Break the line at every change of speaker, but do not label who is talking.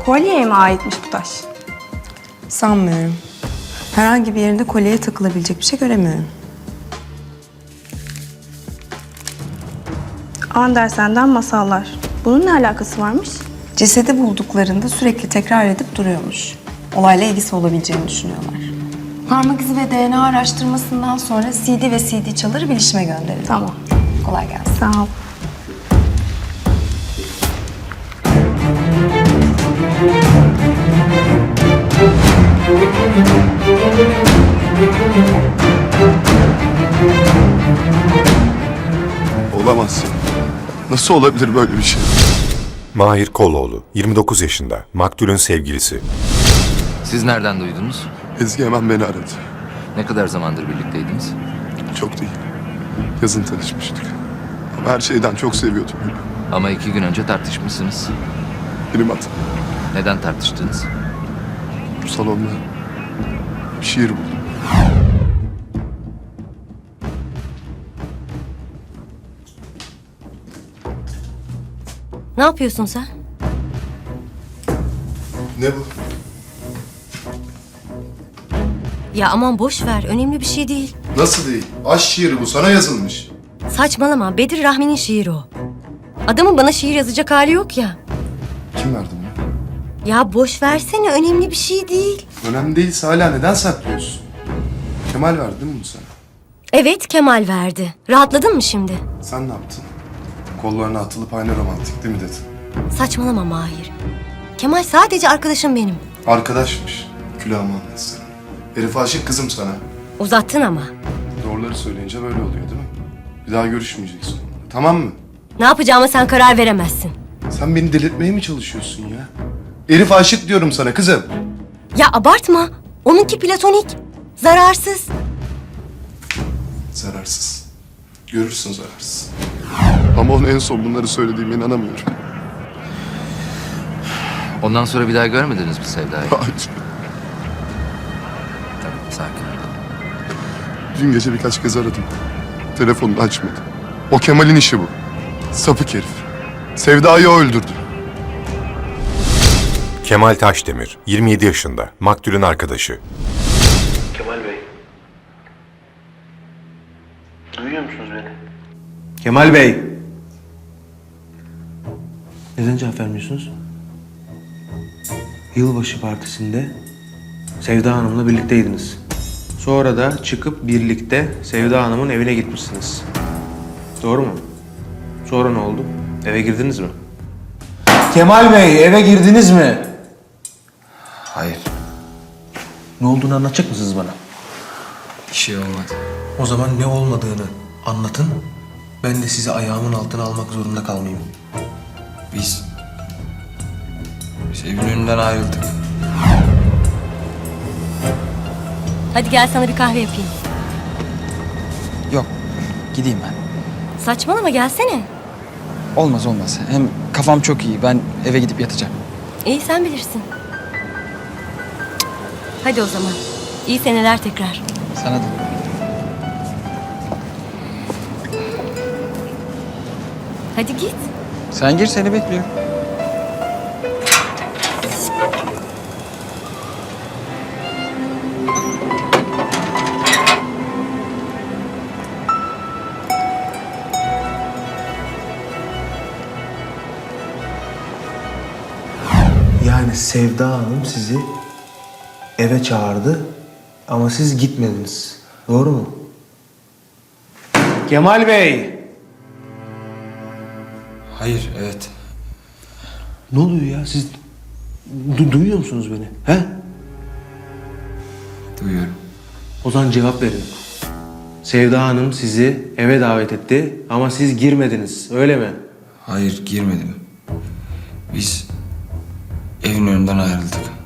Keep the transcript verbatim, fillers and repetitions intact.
Kolyeye mi aitmiş bu taş?
Sanmıyorum. Herhangi bir yerinde kolyeye takılabilecek bir şey göremiyorum.
Andersen'den masallar. Bunun ne alakası varmış?
Cesedi bulduklarında sürekli tekrar edip duruyormuş. Olayla ilgisi olabileceğini düşünüyorlar. Parmak izi ve D N A araştırmasından sonra C D ve C D çaları bilişime gönderildi.
Tamam.
Kolay gelsin.
Sağ ol.
Olamaz. Nasıl olabilir böyle bir şey?
Mahir Koloğlu, yirmi dokuz yaşında, maktulün sevgilisi.
Siz nereden duydunuz?
Ezgi hemen beni aradı.
Ne kadar zamandır birlikteydiniz?
Çok değil. Yazın tanışmıştık. Ama her şeyden çok seviyordum beni.
Ama iki gün önce tartışmışsınız.
Benim hatam.
Neden tartıştınız?
Bu salonda bir şiir buldum.
Ne yapıyorsun sen?
Ne bu?
Ya aman boş ver, önemli bir şey değil.
Nasıl değil? Aşk şiiri bu. Sana yazılmış.
Saçmalama, Bedir Rahmi'nin şiiri o. Adamın bana şiir yazacak hali yok ya.
Kim verdi bunu?
Ya boş versene, önemli bir şey değil.
Önemli değilse hala neden saklıyorsun? Kemal verdi değil mi bunu sana?
Evet, Kemal verdi. Rahatladın mı şimdi?
Sen ne yaptın? Kollarına atılıp aynı romantik değil mi dedin?
Saçmalama Mahir. Kemal sadece arkadaşım benim.
Arkadaşmış. Külahımı anlatsın. Herif aşık kızım sana.
Uzattın ama.
Doğruları söyleyince böyle oluyor değil mi? Bir daha görüşmeyeceksin onunla. Tamam mı?
Ne yapacağıma sen karar veremezsin.
Sen beni delirtmeye mi çalışıyorsun ya? Herif aşık diyorum sana kızım.
Ya abartma. Onunki platonik. Zararsız.
Zararsız. Görürsün zararsız. Ama onun en son bunları söylediğime inanamıyorum.
Ondan sonra bir daha görmediniz mi Sevda'yı?
Hayır.
Tamam, sakin ol.
Dün gece birkaç kez aradım. Telefonunu açmadı. O Kemal'in işi bu. Sapık herif. Sevda'yı o öldürdü.
Kemal Taşdemir, yirmi yedi yaşında, maktulün arkadaşı.
Kemal Bey. Duyuyor musunuz beni?
Kemal Bey. Neden cevap vermiyorsunuz? Yılbaşı partisinde Sevda Hanım'la birlikteydiniz. Sonra da çıkıp birlikte Sevda Hanım'ın evine gitmişsiniz. Doğru mu? Sonra ne oldu? Eve girdiniz mi? Kemal Bey, eve girdiniz mi?
Hayır,
Ne olduğunu anlatacak mısınız bana?
bir şey olmadı.
O zaman ne olmadığını anlatın. Ben de sizi ayağımın altına almak zorunda kalmayayım.
Biz... Biz evin önünden ayrıldık.
Hadi gel sana bir kahve yapayım.
Yok, gideyim ben.
Saçmalama, gelsene.
Olmaz olmaz. Hem kafam çok iyi. Ben eve gidip yatacağım.
İyi, sen bilirsin. Hadi o zaman. İyi seneler tekrar.
Sana da.
Hadi git.
Sen gir, seni bekliyorum.
Yani Sevda Hanım sizi eve çağırdı ama siz gitmediniz. Doğru mu? Kemal Bey!
Hayır, evet.
Ne oluyor ya? Siz du- duyuyor musunuz beni? He?
Duyuyorum.
O zaman cevap verin. Sevda Hanım sizi eve davet etti ama siz girmediniz. Öyle mi?
Hayır, girmedim. Biz evin önünden ayrıldık.